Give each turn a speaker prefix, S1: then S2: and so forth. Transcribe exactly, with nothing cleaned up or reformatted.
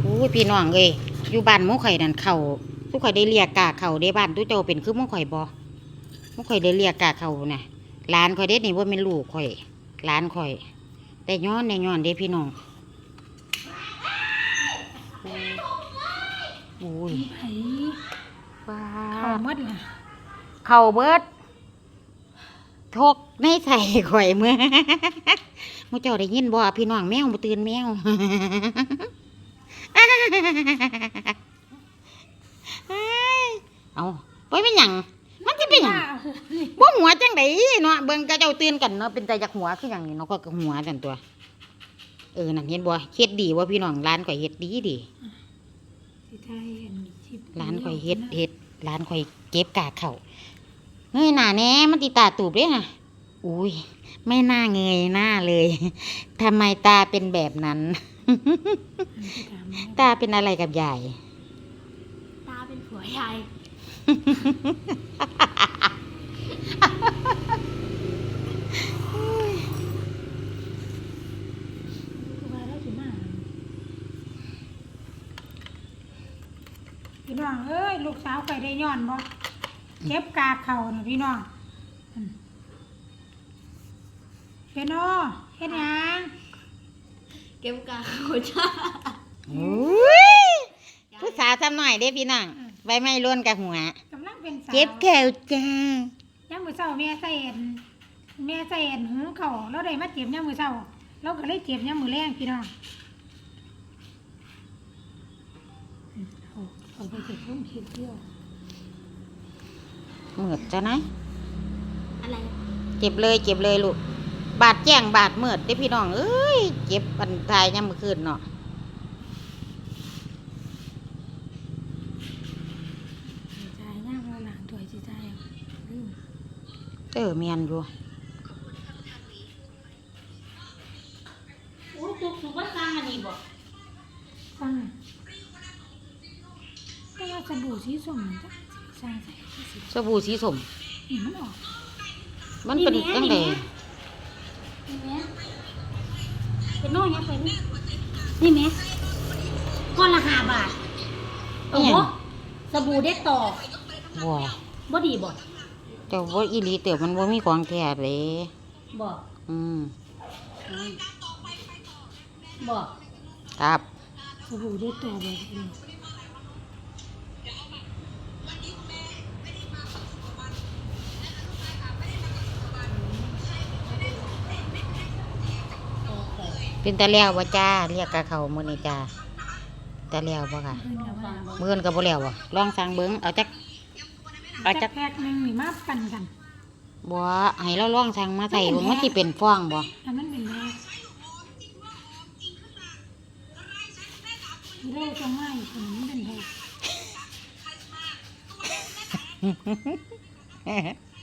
S1: อู้ยพี่น้องเอ้ยอยู่บ้านหมู่ข่อยนั่นเข่าทุกข่อยได้เรียกกาเข่าได้บ้านทุกเจ้าเป็นคือหมู่ข่อยบ่หมู่ข่อยได้เรียกกาเข่าน่ะหลานข่อยเด็ดนี่ว่าเป็นลูกข่อยหลานข่อยแต่ย้อนในย้อนเด้พี่น้องอุ้ย
S2: ไผ่
S1: ว้า
S2: เขาหมดล่ะ
S1: เข่าเบิดทกในใส่ข่อยเมื่อหมู่เจ้าได้ยินบ่พี่น้องแมวบ่ตื่นแมว เอาไปเป็นหยังมันจะเป็นหยังบ่หัวจังไดเนาะเบิ่งกระเจ้าตื่นกันเนาะเป็นใจจากหัวคือหยังนี่เนาะก็หัวจังตัวเออนั่นเห็นบ่เฮ็ดดีว่าพี่น้องร้านข่อยเฮ็ดดีดิ
S2: สิไทยอันชิบ
S1: ร้านข่อยเฮ็ดเฮ็ดร้านข่อยเก็บกากเข้าเงยหน้าแหน่มันติตาตูบเด้น่ะอุ้ยไม่น่าเงยหน้าเลยทำไมตาเป็นแบบนั้น ตาเป็นอะไรกับยาย
S2: ตาเป็นผัวยายว่าแล้วสิมาพี่น้องเอ้ยลูกสาวไปได้ย้อนบ่เก็บกากเขาน่ะพี่น้องอืมเฮ็ดโนเฮ็ดหยัง
S3: เก็บกาโคจ้า
S1: อุ้ยผู้สาวทำหน่อยเด้พี่น้องใบไม้ล้วนกับหัว
S2: กำลังเป็นสาว
S1: เก็บแก้วจ้า
S2: ย่างมือเช้าแม่ใส่เอ็นแม่ใส่เอ็นหุงเขาวแล้วได้มาเจ็บย่างมือเช้าเราก็เลยเจ็บย่างมือแรงพี่น้องอืมเอาเอาไปเก็บร่มเห็ดเที่ยว
S1: เหมือดจ้ะนะ
S3: อะไร
S1: เจ็บเลยเจ็บเลยลูกบาดแจ้งบาดเมือดเด้พี่น้องเอ้ยเจ็บอันตายยามมื้อคืนเนาะ
S2: สิใจย่างเราหลังถวยสิใจลืม
S1: เออเมียนอยู่
S3: โอ้ยตุกสุกว่าสร้างอันนี้บ่
S2: ฟังอ่ะก็ว่าสบู่สีส้มมันจะสร้างใส่ที่สิ
S1: สบู่สีส้ม
S2: นี่มันออก
S1: มันเป็นจังได๋
S3: นี่แม่เป็นโน่ยังเป็นนี่แม่ก้อนละห้าบาทโอ้โหสบู่เด็ดต่อ
S1: บ่
S3: บ่ดีบ่
S1: เจ้าบ่อีหลีเต๋อมันบ่มีของแท้เด้
S3: บ่
S1: อืม
S3: อืมบ่
S1: ครับ
S2: สบู่ได้ตัวแบบนี้
S1: เป็นตาแล้วบ่จ้าเรียกกะเขามื้อนี้จ้าตาแล้วบ่ค่ะ
S2: เพิ่นก็ว่า
S1: มื้ออื่นก็บ่แล้วบ่ลองสั่งเบิ่งเอาจัก เอาจั
S2: จั
S1: ก
S2: กแพ็กหนึงนี่มาปั่นกัน
S1: บ่ให้เราลองสั่งมาใส่เบิ่งมันสิเป็นฟองบ่
S2: อันนั้นเป็นแรกเรื่องจะง่ายคนนี้เป็นแรก